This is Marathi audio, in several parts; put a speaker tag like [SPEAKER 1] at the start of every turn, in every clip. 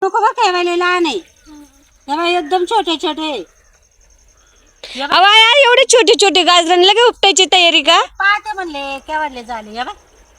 [SPEAKER 1] नको बरं काय वाले लहान आहे तेव्हा एकदम छोटे छोटे
[SPEAKER 2] अवाया एवढे छोटे छोटे गाजर लगे उपटायची तयारी का?
[SPEAKER 1] पाहते म्हणले केवढले झाले या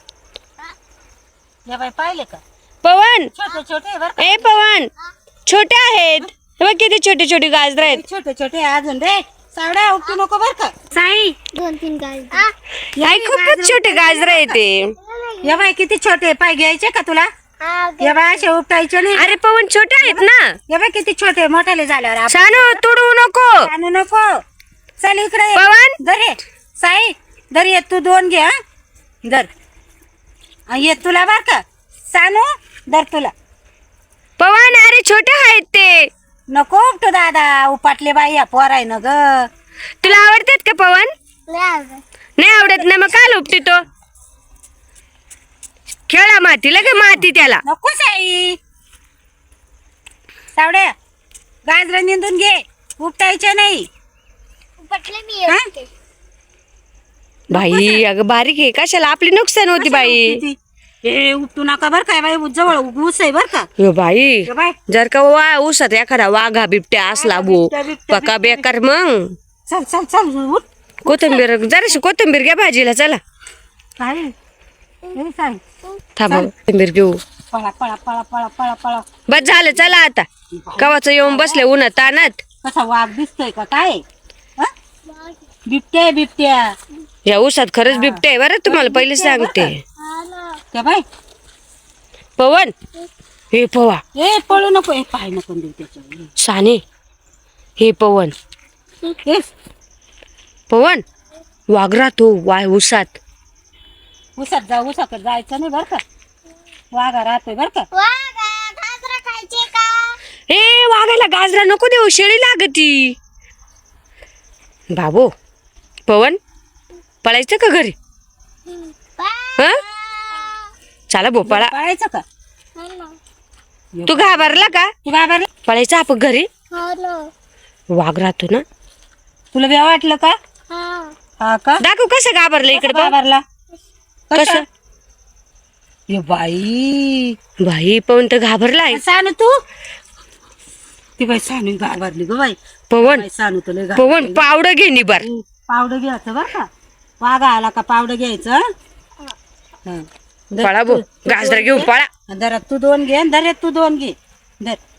[SPEAKER 1] बाय पाहिले का
[SPEAKER 2] पवन
[SPEAKER 1] छोटे छोटे बरं
[SPEAKER 2] ए पवन छोटे आहेत हे बघ किती छोटे छोटे गाजर आहेत.
[SPEAKER 1] छोटे छोटे अजून रे सावड्या उपटू नको बरं का साई
[SPEAKER 3] 2-3 गाजर
[SPEAKER 2] आई खूपच छोटे गाजर आहेत ते.
[SPEAKER 1] या बाय किती छोटे पाय घ्यायचे का तुला या बाय असे उपटायचे नाही
[SPEAKER 2] अरे पवन छोटे आहेत ना.
[SPEAKER 1] या बाय किती छोटे मोठाले झाल्यावर आपण
[SPEAKER 2] शानू तुडू नको.
[SPEAKER 1] आणू नको चल इकडे ये.
[SPEAKER 2] पवन
[SPEAKER 1] धर ये साई धर ये तू 2 घे हा धर ये तुला बर का सानू धर तुला
[SPEAKER 2] पवन अरे छोटे आहेत ते.
[SPEAKER 1] नको उपटू दादा उपाटले बाई या पोराय न ग
[SPEAKER 2] तुला आवडतात का पवन? नाही आवडत ना मग काय उपटी तो खेळा माती लगे माती त्याला.
[SPEAKER 1] नको साई सावड्या गाजर निंदून घे उपटायचे नाही
[SPEAKER 3] पटले मी
[SPEAKER 1] हा?
[SPEAKER 2] बाई अगं बारीक आहे कशाला आपली नुकसान होती बाई.
[SPEAKER 1] ए उपटू नका बर काय बाई जवळ ऊस आहे बर का
[SPEAKER 2] यो बाई
[SPEAKER 1] ये बाय
[SPEAKER 2] जर का ऊसात एखादा वाघा बिबट्या असला बो
[SPEAKER 1] बिबट्या,
[SPEAKER 2] पका बेकार मग.
[SPEAKER 1] चल चल चल उठ
[SPEAKER 2] कोथिंबीर जराशी कोथिंबीर घ्या भाजीला चला.
[SPEAKER 1] काय ए, साई
[SPEAKER 2] थांबा कोथिंबीर घेऊ.
[SPEAKER 1] पळा पळा पळा पळा पळा पळा
[SPEAKER 2] बस झालं चला आता कवाच येऊन बसले उन्हात तानात.
[SPEAKER 1] कसा वाघ दिसतोय का काय हा? बिबट्या बिबट्या
[SPEAKER 2] या ऊसात खरंच बिबटे आहे बरं तुम्हाला पहिले सांगते.
[SPEAKER 1] त्या बाय
[SPEAKER 2] पवन हे पवा
[SPEAKER 1] ए पळू नको ए पाय नको देऊ त्याच्यावर
[SPEAKER 2] साने हे पवन
[SPEAKER 1] ए
[SPEAKER 2] पवन वाघ राहतो ऊसात.
[SPEAKER 1] उसात जा उसाकडे जायचं नाही बर का वाघा राहतोय बर का
[SPEAKER 3] गाजर खायचे का?
[SPEAKER 2] हे वाघाला गाजरा नको देऊ शेळी लागती. बाबो पवन पळायचं का घरी? हा चला भो पळा.
[SPEAKER 1] पळायचं का
[SPEAKER 2] तू घाबरला का?
[SPEAKER 1] तू घाबरला
[SPEAKER 2] पळायचं आपण घरी वाघ राहतो ना.
[SPEAKER 1] तुला बी वाटलं का हा का
[SPEAKER 2] दाखव कसं घाबरलं इकडे बघ.
[SPEAKER 1] घाबरला
[SPEAKER 2] कसं
[SPEAKER 1] ए बाई
[SPEAKER 2] बाई पवन तर घाबरलाय.
[SPEAKER 1] सानू तू ती बाई सानू घाबरली ग बाई
[SPEAKER 2] पवन
[SPEAKER 1] बाई, सानू तुला
[SPEAKER 2] पवन पावडं घे निबार.
[SPEAKER 1] पावडं घ्यायचं बर का वाघा आला का पावडं घ्यायचं हं. धर
[SPEAKER 2] पळा भो
[SPEAKER 1] तू
[SPEAKER 2] गाजरा घेऊन
[SPEAKER 1] घे.
[SPEAKER 2] पळा.
[SPEAKER 1] धरात तू 2 घे धरात तू 2 घे धर